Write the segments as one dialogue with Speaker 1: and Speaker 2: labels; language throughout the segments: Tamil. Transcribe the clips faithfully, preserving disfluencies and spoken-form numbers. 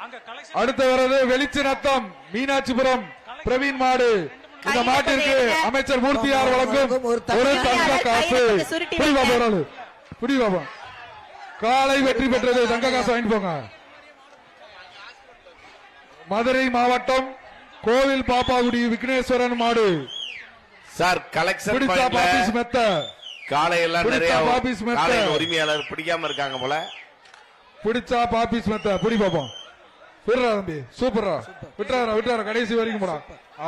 Speaker 1: அடுத்து வர்றது வெளிச்சநத்தம் மீனாட்சிபுரம் பிரவீன் மாடு. இந்த மாட்டிற்கு அமைச்சர் மூர்த்தியார் வழங்கும் ஒரு தங்க காசு. புடி பாபா காலை வெற்றி பெற்றது. தங்க காசு வாங்கிட்டு போங்க. மதுரை மாவட்டம் கோவில் பாப்பாகுடி விக்னேஸ்வரன் மாடு
Speaker 2: சார். கலெக்ஷன்
Speaker 1: மெத்த
Speaker 2: காலையெல்லாம் நிறைய உரிமையாளர் பிடிக்காம இருக்காங்க போல.
Speaker 1: பிடிச்சா பாபிஸ் மெத்த புடி பாப்போம். விடுறா தம்பி சூப்பரா விட்டுறாரா விட்டுறாரா கடைசி வரைக்கும் போடா.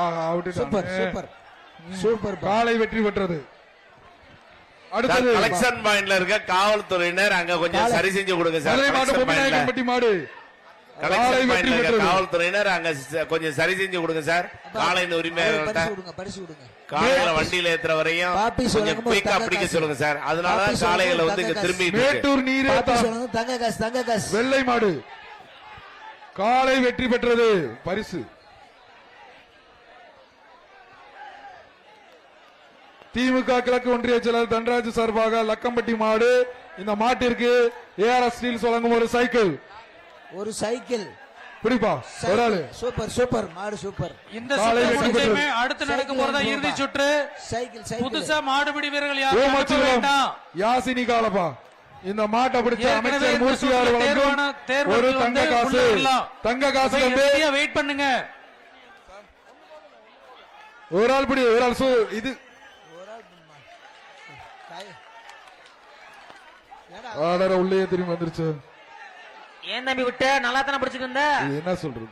Speaker 1: சூப்பர் காலை வெற்றி பெற்றது. அடுத்தது
Speaker 2: கலெக்ஷன் பாயிண்ட்ல இருக்க காவல்துறையினர் அங்க கொஞ்சம் சரி செஞ்சு கொடுங்க சார்.
Speaker 1: பொம்மைநாயக்கன்பட்டி மாடு
Speaker 2: காவல்துறையினர் அங்க கொஞ்சம் சரி செஞ்சு கொடுங்க சார். காலையின் உரிமையாளர்கிட்ட காலையில வண்டியில ஏத்துற வரையும் கொஞ்சம் குயிக்கா பிடிக்க சொல்லுங்க சார். அதனால காலையில வந்து இங்க திரும்பி
Speaker 1: மேட்டூர் நீரே
Speaker 3: தங்க காசு தங்க காசு
Speaker 1: வெள்ளை மாடு காலை வெற்றி பெற்றது. பரிசு திமுக கிழக்கு ஒன்றிய செயலர் தன்ராஜ் சார்பாக லக்கம்பட்டி மாடு. இந்த மாட்டிற்கு ஏஆர்எஸ் ஸ்டீல்ஸ் வழங்கும் ஒரு சைக்கிள்.
Speaker 3: ஒரு சைக்கிள்
Speaker 1: பிடிப்பா ஒரு ஆளு.
Speaker 3: சூப்பர் சூப்பர் மாடு சூப்பர்.
Speaker 4: இந்த சுற்று அடுத்து நடக்கும் போறதா இறுதி சுற்று.
Speaker 3: சைக்கிள் சைக்கிள்
Speaker 4: புதுசா மாடுபிடி வீரர்கள் யாரும் வேண்டாம்.
Speaker 1: யாசினி காலப்பா இந்த மாட்டை பிடிச்ச அமைச்சர் மூர்த்தியார் வழங்கும் ஒரு தங்க காசு. தங்க காசு
Speaker 4: வெயிட் பண்ணுங்க.
Speaker 1: ஒரு ஆள் பிடி ஒரு ஆள். இது ஆடர உள்ளே திரும்பி வந்துருச்சு.
Speaker 5: ஏன் தம்பி விட்ட நல்லா தானே பிடிச்சிருந்த.
Speaker 1: என்ன சொல்றது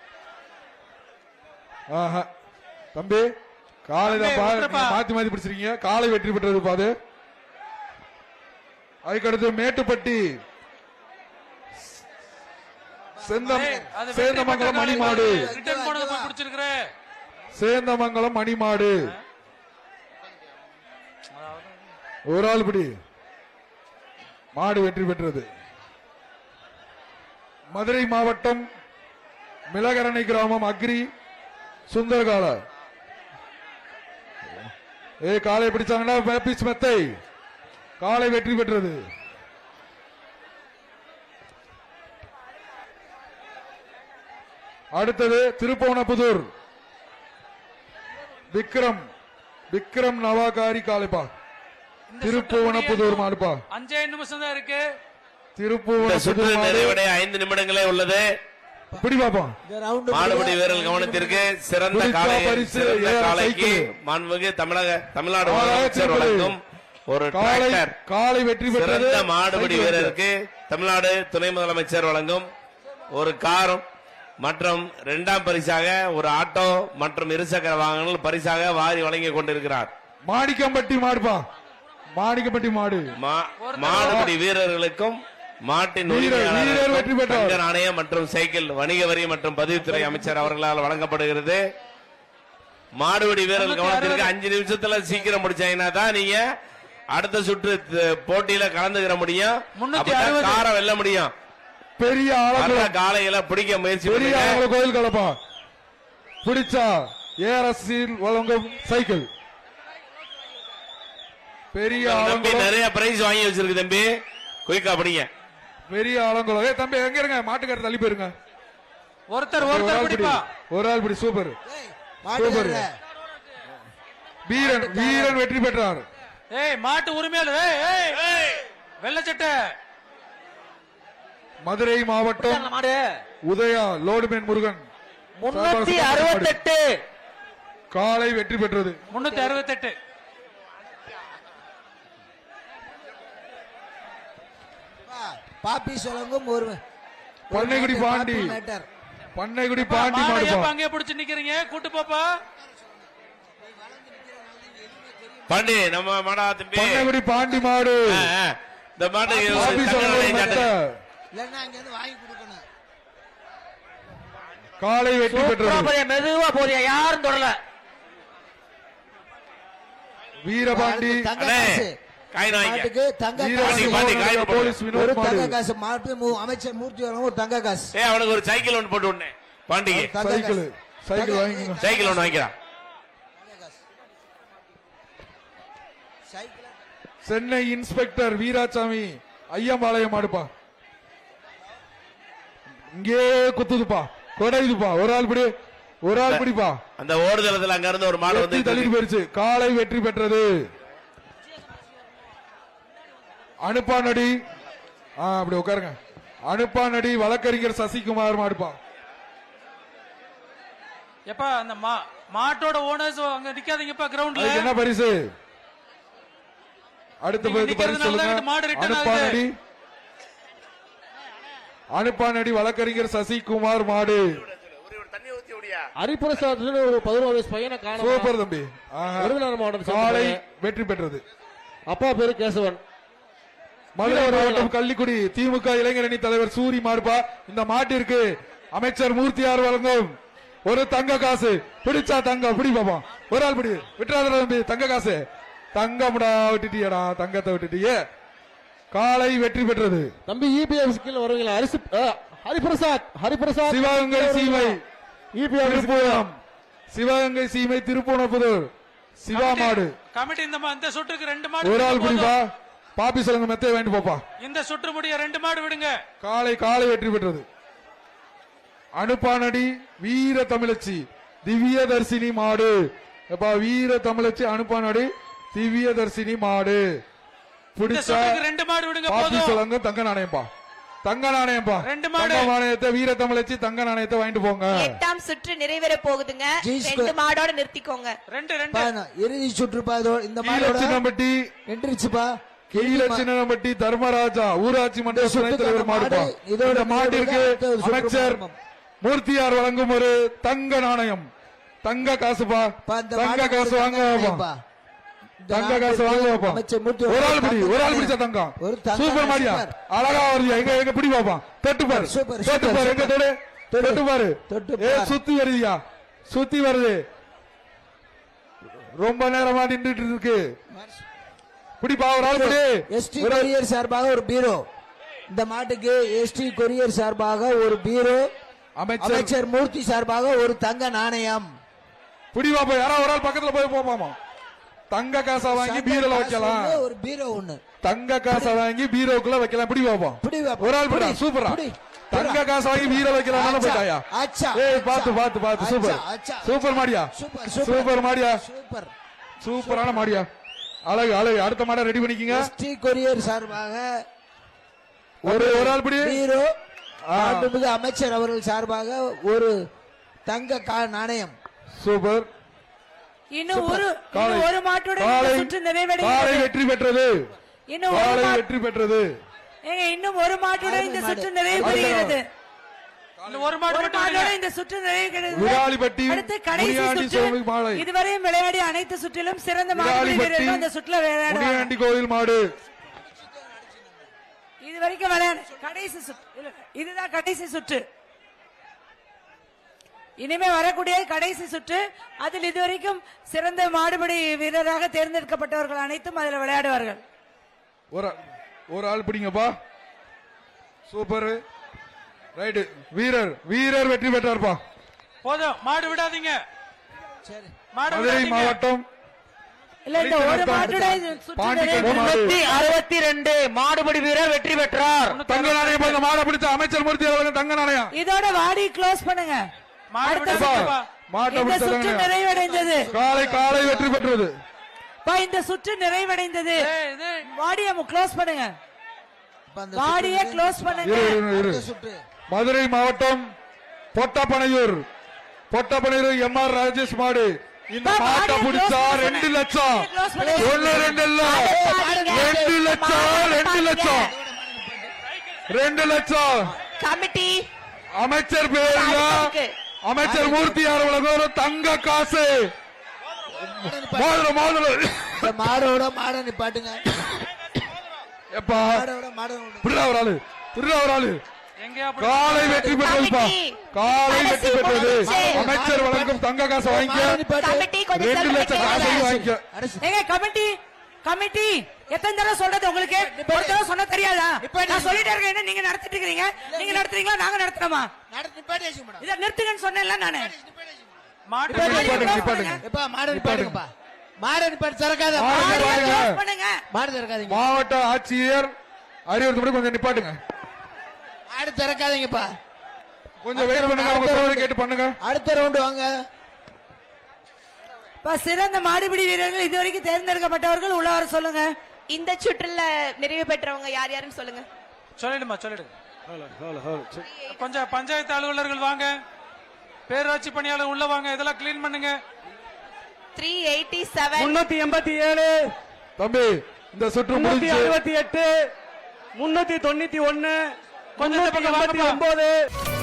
Speaker 1: ஆஹா தம்பி காலை மாத்தி மாத்தி பிடிச்சிருக்கீங்க. காலை வெற்றி பெற்றது பாது. அதுக்கடுத்து மேட்டுப்பட்டி சேந்தமங்கலம் மணிமாடு. சேந்தமங்கலம் மணிமாடு ஒரு ஆள் பிடி. மாடு வெற்றி பெற்றது. மதுரை மாவட்டம் மிளகரணை கிராமம் அக்ரி சுந்தரகால ஏ காலை பிடிச்சாங்கன்னா பேபிஸ் மெத்தை காலை வெற்றி பெற்றது. அடுத்தது திருப்போணப்புதூர் விக்ரம் விக்ரம் நவாகாரி காலைப்பா. திருப்புவனப்புதூர் மாடுப்பா.
Speaker 4: அஞ்சே நிமிஷம் தான் இருக்கு.
Speaker 2: திருப்புவனப்புதூர் நிறைவடைய ஐந்து நிமிடங்களே உள்ளது.
Speaker 1: பிடி பாப்போம்.
Speaker 2: மாடுபிடி வீரர்கள் கவனத்திற்கு சிறந்த காலை சிறந்த காலைக்கு மாண்புமிகு தமிழக தமிழ்நாடு முதலமைச்சர் வழங்கும் ஒரு டிராக்டர்.
Speaker 1: காலை வெற்றி பெற்றது.
Speaker 2: சிறந்த மாடுபிடி வீரருக்கு தமிழ்நாடு துணை முதலமைச்சர் வழங்கும் ஒரு காரும் மற்றும் இரண்டாம் பரிசாக ஒரு ஆட்டோ மற்றும் இருசக்கர வாகனங்கள் பரிசாக வாரி வழங்கி கொண்டிருக்கிறார்.
Speaker 1: மாணிக்கம்பட்டி மாடுப்பா. மாணிக்கப்பட்டி மாடு
Speaker 2: மாடுபிடி வீரர்களுக்கும் மாட்டின் உரிமையாளர் நாணயம் மற்றும் சைக்கிள் வணிக வரி மற்றும் பதிவுத்துறை அமைச்சர் அவர்களால் வழங்கப்படுகிறது. மாடுபிடி வீரர்கள் கவனத்திற்கு அஞ்சு நிமிஷத்துல சீக்கிரம் முடிச்சாங்கன்னா தான் நீங்க அடுத்த சுற்று போட்டியில கலந்துக்கிற முடியும். காரை வெல்ல முடியும்.
Speaker 1: பெரிய
Speaker 2: காலையில பிடிக்க முயற்சி
Speaker 1: கோயில் கலப்பா பிடிச்சா ஏஆர்எஸ் வழங்கும் சைக்கிள். பெரிய
Speaker 2: தம்பி நிறைய பிரைஸ் வாங்கி வச்சிருக்கு தம்பி. குயிக்கா படிங்க.
Speaker 1: பெரிய ஆலங்குளம். ஏ தம்பி எங்க இருங்க மாட்டுக்கார தள்ளி போயிருங்க.
Speaker 4: ஒருத்தர் ஒருத்தர் பிடிப்பா.
Speaker 1: ஒரு ஆள் பிடி. Super super. வீரன் வீரன் வெற்றி பெற்றார்.
Speaker 4: ஏய் மாட்டு உரிமையாளர் ஏய் ஏய் வெள்ளச்சட்டை
Speaker 1: மதுரை மாவட்டம் உதயா லோடுமேன் முருகன்
Speaker 5: முன்னூத்தி அறுபத்தி எட்டு
Speaker 1: காலை வெற்றி பெற்றது.
Speaker 4: முன்னூத்தி அறுபத்தி எட்டு
Speaker 3: பாப்பி சொல்லுங்க. ஒரு
Speaker 1: பண்ணைக்குடி பாண்டி பண்ணைக்குடி பாண்டி மாடுப்பா.
Speaker 4: அங்கே பிடிச்சு நிக்கிறீங்க கூட்டு பாப்பா.
Speaker 2: பாண்டி நம்ம மாடா தம்பி.
Speaker 1: பண்ணைக்குடி பாண்டி மாடு.
Speaker 2: இந்த மாடு
Speaker 1: காலை வெற்றி பெற்றது.
Speaker 5: மெதுவா போறியா யாரும் தொடல.
Speaker 1: வீரபாண்டி
Speaker 3: அமைச்சர் மூர்த்தி ஒரு தங்க காசு.
Speaker 2: அவனுக்கு ஒரு சைக்கிள் ஒன்று போட்டு விடனே பாண்டிகை.
Speaker 1: சைக்கிள் சைக்கிள் வாங்கி
Speaker 2: சைக்கிள் ஒன்று வாங்கிக்கிறான்.
Speaker 1: சென்னை இன்ஸ்பெக்டர் வீராசாமி ஐயம்பாளையம் மாடுப்பா. இங்கே குத்துதுப்பா, கொடையுதுப்பா. ஒரு ஆள் பிடி, ஒரு ஆள் பிடிப்பா.
Speaker 2: அந்த ஓடுதளத்துல அங்க இருந்து ஒரு மாடு
Speaker 1: வெற்றி
Speaker 2: வந்து
Speaker 1: தள்ளிட்டு போயிருச்சு. காலை வெற்றி பெற்றது. அனுப்பானடி ஆ, அப்படி உட்காருங்க. அனுப்பானடி வழக்கறிஞர் சசிகுமார் மாடுப்பா.
Speaker 4: எப்பா அந்த மா- மாட்டோட ஓனர்ஸ் அங்க நிக்காதீங்கப்பா கிரவுண்ட்ல.
Speaker 1: அதுக்கு என்ன பரிசு? அடுத்த
Speaker 4: நீங்க
Speaker 1: பரிசு
Speaker 4: நிக்கிறதுனால
Speaker 1: சொல்லுங்க.
Speaker 4: தான் இந்த மாடு return
Speaker 1: அனுப்பானடி அனுப்பானடி வழக்கறிஞர் சசிகுமார் மாடு.
Speaker 2: தண்ணி ஊத்தி ஓடியா
Speaker 6: ஹரிபிரசாத் ஒரு பதினோரு வயசு பையனை காணும்.
Speaker 1: சூப்பர் தம்பி. ஆஹா.
Speaker 6: விருதுநகர் மாவட்டம்
Speaker 1: காலை
Speaker 6: சேர்ந்தவர்.
Speaker 1: வெற்றி பெற்றது.
Speaker 6: அப்பா பேரு கேசவன்.
Speaker 1: மதுரை மாவட்டம் கள்ளிக்குடி திமுக இளைஞரணி தலைவர் சூரி மாடுப்பா. இந்த மாட்டிற்கு அமைச்சர் மூர்த்தியார் வழங்கும் ஒரு தங்க காசு. பிடிச்சா தங்கம் பிடி பாப்பா. ஒரு ஆள் பிடி. விட்டுறாத தம்பி, தங்க காசு. தங்கம்டா, விட்டுட்டியடா, தங்கத்தை விட்டுட்டியே. காலை வெற்றி பெற்றது.
Speaker 6: தம்பி இபிஎஃப் கீழ வருவீங்களா? அரிசி ஆ, ஹரிபிரசாத் ஹரிபிரசாத்
Speaker 1: சிவகங்கை சீமை
Speaker 6: இபிஎஃப்
Speaker 1: திருப்பூரம். சிவகங்கை சீமை திருப்பூணப்புதூர் சிவா மாடு.
Speaker 4: கமிட்டி இந்த மா- இந்த சுற்றுக்கு ரெண்டு மாடு
Speaker 1: ஒரு ஆள்
Speaker 4: விடுங்க
Speaker 1: பிடிப்பா.
Speaker 4: போதும்.
Speaker 1: பாப்பி சொல்லுங்க, மெத்தைய வாங்கிட்டு போப்பா.
Speaker 4: இந்த சுற்று முடிய ரெண்டு மாடு விடுங்க.
Speaker 1: காலை காலை வெற்றி பெற்றது. அனுப்பானடி வீர தமிழச்சி திவ்ய தர்சினி மாடு. எப்பா வீர தமிழச்சி அனுப்பானடி திவ்ய தர்சினி மாடு.
Speaker 4: இந்த
Speaker 1: பிடிச்சா
Speaker 4: சுற்றுக்கு ரெண்டு மாடு விடுங்க
Speaker 1: பாப்பி
Speaker 4: போதும்.
Speaker 1: சொல்லுங்க. தங்க நாணயம்பா, தங்க நாணயம்பா.
Speaker 4: ரெண்டு மாடு.
Speaker 1: தங்க நாணயத்தை வீர தமிழச்சி தங்க நாணயத்தை வாங்கிட்டு போங்க.
Speaker 7: எட்டாம் சுற்று நிறைவேற போகுதுங்க.
Speaker 3: ஜி
Speaker 7: ரெண்டு
Speaker 3: ஸ்கொயர்.
Speaker 7: மாடோட நிறுத்திக்கோங்க.
Speaker 4: ரெண்டு ரெண்டு
Speaker 3: பா, நான் இறுதி சுற்றுப்பா. இதோ இந்த
Speaker 1: கீழ
Speaker 3: மாடோட
Speaker 1: சின்னம்பட்டி
Speaker 3: வென்றுச்சுப்பா.
Speaker 1: கீழ சின்னம்பட்டி தர்மராஜா ஊராட்சி மன்ற
Speaker 3: இந்த
Speaker 1: துணைத் தலைவர்
Speaker 3: சுற்றுக்கான
Speaker 1: மாடுப்பா.
Speaker 3: மாடு இதோட
Speaker 1: இந்த மாட்டிற்கு
Speaker 3: அடுத்த ஒரு சுற்று
Speaker 1: அமைச்சர்
Speaker 3: மாறும்.
Speaker 1: மூர்த்தியார் வழங்கும் ஒரு தங்க நாணயம். தங்க காசுப்பா.
Speaker 3: பா, இந்த
Speaker 1: தங்க
Speaker 3: மாடு
Speaker 1: காசு
Speaker 3: ஒரு
Speaker 1: வாங்க
Speaker 3: தங்க
Speaker 1: வாப்பா.
Speaker 3: நாணயம்பா. இந்த
Speaker 1: தங்க காசு
Speaker 3: நாட்டுக்கு
Speaker 1: வாங்க வாப்பா.
Speaker 3: அமைச்சர் மூர்த்தி
Speaker 1: ஒரு ஆள்
Speaker 3: ஒரு
Speaker 1: பிடி,
Speaker 3: தங்க
Speaker 1: ஒரு ஆள்
Speaker 3: நாணயம்.
Speaker 1: பிடிச்ச தங்கம்.
Speaker 3: ஒரு தங்க
Speaker 1: சூப்பர் மாடியா,
Speaker 3: சூப்பர்.
Speaker 1: அழகா வருதியா. எங்க எங்க பிடி பாப்பா. தொட்டு பாரு,
Speaker 3: சூப்பர்,
Speaker 1: தொட்டு
Speaker 3: சூப்பர்,
Speaker 1: பாரு. எங்க
Speaker 3: சூப்பர்.
Speaker 1: தொடு,
Speaker 3: தொடு.
Speaker 1: தொட்டு பாரு.
Speaker 3: தொட்டு
Speaker 1: ஏ
Speaker 3: பாரு.
Speaker 1: சுத்தி வருதியா, சுத்தி வருது. ரொம்ப நேரமா நின்றுட்டு இருக்கு. பிடிப்பா, ஒரு ஆள் பிடி.
Speaker 3: எஸ்டி
Speaker 1: ஒரு ஆள்.
Speaker 3: கொரியர் சார்பாக ஒரு பீரோ. இந்த மாட்டுக்கு எஸ்டி கொரியர் சார்பாக ஒரு பீரோ.
Speaker 1: அமைச்சர்
Speaker 3: அமைச்சர் மூர்த்தி சார்பாக ஒரு தங்க நாணயம்.
Speaker 1: பிடி பாப்பா. யாரா ஒரு ஆள் பக்கத்துல போய் போப்பாமா. தங்க காசை வாங்கி பீரோல வைக்கலாம்.
Speaker 3: ஒண்ணு, ஒரு பீரோ ஒண்ணு.
Speaker 1: தங்க காசை வாங்கி பீரோக்குள்ள வைக்கலாம். பிடி பாப்பா.
Speaker 3: பிடி பாப்பா.
Speaker 1: ஒரு ஆள் பிடி.
Speaker 3: பிடி.
Speaker 1: சூப்பரா.
Speaker 3: பிடி.
Speaker 1: தங்க காசை வாங்கி பீரோ வைக்கலாம்.
Speaker 3: அச்சா,
Speaker 1: போயிட்டாயா.
Speaker 3: அச்சா,
Speaker 1: ஏய்
Speaker 3: அச்சா.
Speaker 1: பாத்து பாத்து பாத்து. சூப்பர்
Speaker 3: அச்சா, அச்சா.
Speaker 1: சூப்பர் மாடியா.
Speaker 3: சூப்பர்
Speaker 1: சூப்பர் மாடியா.
Speaker 3: சூப்பர்.
Speaker 1: சூப்பரான மாடியா. அழகு அழகு. அடுத்த மாடை ரெடி பண்ணிக்கங்க.
Speaker 3: எஸ்டி கொரியர் சார்பாக
Speaker 1: ஒரு ஒரு ஆள் பிடி.
Speaker 3: பீரோ.
Speaker 1: ஆ.
Speaker 3: மாண்புமிகு அமைச்சர் அவர்கள் சார்பாக ஒரு தங்க கா- நாணயம்.
Speaker 1: சூப்பர்.
Speaker 7: இன்னும் ஒரு
Speaker 1: காலை
Speaker 7: இன்னும் ஒரு மாட்டோட இந்த
Speaker 1: காலை
Speaker 7: சுற்று
Speaker 1: காலை
Speaker 7: நிறைவடைகிறது.
Speaker 1: வெற்றி பெற்றது.
Speaker 7: இன்னும் ஒரு
Speaker 1: காலை
Speaker 7: மா-
Speaker 1: வெற்றி பெற்றது.
Speaker 7: ஏங்க, இன்னும் ஒரு மாட்டோட இந்த
Speaker 3: மாடு.
Speaker 7: சுற்று நிறைவு பெறுகிறது.
Speaker 4: இந்த ஒரு மாடு
Speaker 7: ஒரு
Speaker 4: மட்டும்
Speaker 7: மாட்டோட
Speaker 4: விடுங்க.
Speaker 7: இந்த சுற்று நிறைவேறுகிறது.
Speaker 1: விராலிப்பட்டி
Speaker 7: அடுத்து கடைசி
Speaker 1: முனியாண்டி
Speaker 7: சுற்று.
Speaker 1: சுவாமி மாலை.
Speaker 7: இதுவரையும் விளையாடிய அனைத்து சுற்றிலும் சிறந்த மாடுபிடி
Speaker 1: விராலிப்பட்டி
Speaker 7: வீரர்கள் இந்த சுற்றுல விளையாடுவாங்க.
Speaker 1: முனியாண்டி கோவில் மாடு.
Speaker 7: இது வரைக்கும் விளையாடு கடைசி சுற்று இல்ல, இதுதான் கடைசி சுற்று. இனிமே வரக்கூடிய கடைசி சுற்று. அதில் இதுவரைக்கும் சிறந்த மாடுபிடி வீரராக தேர்ந்தெடுக்கப்பட்டவர்கள் அனைத்தும் அதில் விளையாடுவார்கள்.
Speaker 1: ஒரு ஆள்- ஒரு ஆள் பிடிங்கப்பா. சூப்பர். ரைட். வீரர் வீரர் வெற்றி பெற்றார்ப்பா.
Speaker 4: போதும் மாடு விடாதீங்க.
Speaker 3: சரி.
Speaker 4: மாடு
Speaker 1: மதுரை
Speaker 4: விடாதீங்க.
Speaker 1: மாவட்டம்
Speaker 7: இல்ல இந்த ஒரு மாட்டோட இது சுற்று
Speaker 1: பாண்டி
Speaker 7: நிறைவு-
Speaker 1: கட்டு மாடு.
Speaker 5: முன்னூத்தி அறுபத்தி ரெண்டு மாடுபிடி வீரர் வெற்றி பெற்றார்.
Speaker 1: தங்க நாணயம் பாருங்க. மாடை பிடிச்ச அமைச்சர் மூர்த்தி அவர்கள் தங்க நாணயம்.
Speaker 7: இதோட வாடி க்ளோஸ் பண்ணுங்க.
Speaker 4: மாடு
Speaker 7: அடுத்த
Speaker 4: விடாதீங்கப்பா.
Speaker 1: மாட்டை
Speaker 7: இந்த
Speaker 1: பிடிச்ச
Speaker 7: சுற்று
Speaker 1: தங்க நாணயம்.
Speaker 7: நிறைவடைந்தது.
Speaker 1: காலை காலை வெற்றி பெற்றது.
Speaker 7: பா, இந்த சுற்று நிறைவடைந்தது.
Speaker 4: ஏய், இது
Speaker 7: வாடிய க்ளோஸ் பண்ணுங்க.
Speaker 3: இப்ப அந்த
Speaker 7: வாடிய
Speaker 3: சுற்று
Speaker 7: க்ளோஸ் பண்ணுங்க.
Speaker 1: இரு, இரு, இரு.
Speaker 3: அடுத்த சுற்று.
Speaker 1: மதுரை மாவட்டம் பொட்டப்பனையூர் பொட்டப்பனையூர் எம் ஆர் ராஜேஷ் மாடு. இந்த
Speaker 7: பா,
Speaker 1: மாட்டை
Speaker 7: மாடியை
Speaker 1: பிடிச்சா
Speaker 7: close
Speaker 1: ரெண்டு
Speaker 7: பண்ணுங்க.
Speaker 1: லட்சம்.
Speaker 7: close பண்ணுங்க.
Speaker 1: ஒண்ணு ரெண்டு இல்ல,
Speaker 7: பாருங்க.
Speaker 1: ரெண்டு லட்சம் ரெண்டு லட்சம் ரெண்டு லட்சம்.
Speaker 7: கமிட்டி
Speaker 1: அமைச்சர் பேர்ல அமைச்சர் மூர்த்தியார் வழங்கும் ஒரு தங்க காசு. மோதிரம் மோதிரம்.
Speaker 3: இந்த மாடோட மாட நிப்பாட்டுங்க.
Speaker 1: எப்பா
Speaker 3: மாடோட மாட நிப்பாட்டுங்க.
Speaker 1: புரியா ஒரு ஆளு புரியா ஒரு ஆளு.
Speaker 4: எங்கேயா அப்படி-
Speaker 1: காலை வெற்றி பெற்றதுப்பா. காலை வெற்றி பெற்றது. அமைச்சர் வழங்கும் தங்க காசை
Speaker 3: மாட
Speaker 1: வாங்கிக்க.
Speaker 3: நிப்பாட்டு.
Speaker 7: கமிட்டி கொஞ்சம்
Speaker 1: ரெண்டு
Speaker 7: செல்லுங்க.
Speaker 1: லட்சம் காசையும் வாங்கிக்க.
Speaker 3: அரசு.
Speaker 7: ஏங்க கமிட்டி கமிட்டி எத்தனை தடவை சொல்றது உங்களுக்கு? ஒரு தடவை சொன்னா தெரியாதா? நான் சொல்லிட்டே இருக்கேன். என்ன நீங்க நடத்திட்டு இருக்கீங்க? நீங்க நடத்துறீங்களா நாங்க நடத்துறோமா?
Speaker 3: நடத்து நிப்பாட்டி வச்சுக்க மேடம்.
Speaker 7: இத நிறுத்துங்கன்னு சொன்னேன்ல நானு.
Speaker 4: மாட்டு
Speaker 1: நிப்பாட்டுங்க,
Speaker 7: close
Speaker 1: நிப்பாட்டுங்க.
Speaker 7: பண்ணுங்க.
Speaker 3: எப்பா மாட நிப்பாட்டுங்கப்பா. மாட நிப்பாட்டு திறக்காத.
Speaker 1: மாடு
Speaker 3: மாடு
Speaker 7: வாடிய
Speaker 1: வாங்க.
Speaker 7: close பண்ணுங்க.
Speaker 3: மாடு திறக்காதீங்க.
Speaker 1: மாவட்ட ஆட்சியர் அறிவுறுத்தப்படி கொஞ்சம் நிப்பாட்டுங்க.
Speaker 3: மாடு திறக்காதீங்கப்பா.
Speaker 1: கொஞ்சம் வெயிட் பண்ணுங்க, அவங்க சொல்றதை கேட்டு பண்ணுங்க.
Speaker 3: அடுத்த ரவுண்ட் வாங்க.
Speaker 7: இப்ப சிறந்த மாடுபிடி வீரர்கள் இதுவரைக்கும் தேர்ந்தெடுக்கப்பட்டவர்கள் உள்ள வர சொல்லுங்க.
Speaker 8: இந்த சுற்றுல நிறைவு பெற்றவங்க யார் யாருன்னு சொல்லுங்க.
Speaker 4: சொல்லிடுமா சொல்லிடு. கொஞ்சம் பஞ்சாயத்து அலுவலர்கள் வாங்க, பேரூராட்சி பணியாளர் உள்ள வாங்க, இதெல்லாம் கிளீன் பண்ணுங்க.
Speaker 8: த்ரீ எயிட்டி செவன்
Speaker 6: முன்னூத்தி எண்பத்தி ஏழு
Speaker 1: தம்பி இந்த சுற்று
Speaker 6: முன்னூத்தி
Speaker 1: முடிஞ்சு
Speaker 6: அறுபத்தி எட்டு முன்னூத்தி தொண்ணூத்தி ஒன்னு
Speaker 4: கொஞ்சம் இந்த பக்கம் வாங்கப்பா.
Speaker 6: ஒன்பது